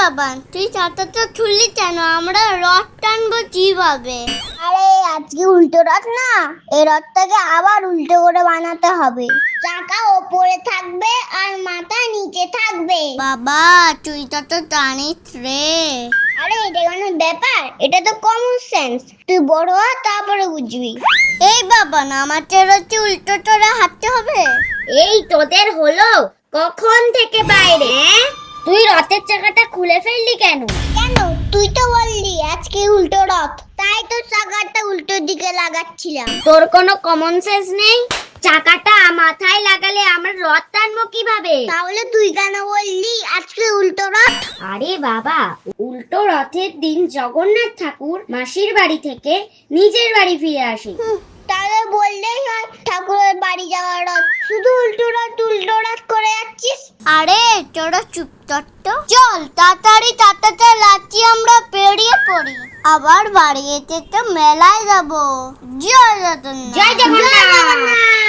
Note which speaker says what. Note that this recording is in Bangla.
Speaker 1: বাবা, তুই চাটাটা তুললি কেন? আমরা রথ টানবো কিভাবে?
Speaker 2: আরে আজকে উল্টো রথ না, এই রথটাকে আবার উল্টো করে বানাতে হবে। চাকা ওপরে থাকবে আর মাথা নিচে থাকবে।
Speaker 1: বাবা, তুই তো জানিস রে।
Speaker 2: আরে এটা কোনো ব্যাপার? এটা তো কমন সেন্স। তুই বড় হ, তারপরে বুঝবি।
Speaker 1: এই বাবা, না আমাদের হচ্ছে উল্টো করে হাঁটতে হবে।
Speaker 2: এই তোদের হলো কখন থেকে বাইরে? তুই রথের চাকাটা খুলে ফেললি কেন? কেন? তুই তো বললি আজকে উল্টো রথ, তাই তো চাকাটা উল্টো দিকে লাগাচ্ছিলাম। তোর কোনো কমন সেন্স নেই? চাকাটা মাথায় লাগালে আমরা রথ টানবো কিভাবে? তাহলে তুই কেন বললি আজকে উল্টো রথ? আরে বাবা, উল্টো রথের দিন জগন্নাথ ঠাকুর মাসির বাড়ি থেকে নিজের বাড়ি ফিরে আসে। তাহলে বললেই হয় ঠাকুরের বাড়ি যাওয়ার রথ। শুধু উল্টো রথ করে যাচ্ছিস।
Speaker 1: আরে তোরা চুপ কর তো। চল তাড়াতাড়ি চাটাটা লাচি আমরা পেরিয়ে পড়ি। আবার বাড়ি যেতে তো মেলায় যাবো। জয় জগন্নাথ।
Speaker 2: জয় জগন্নাথ।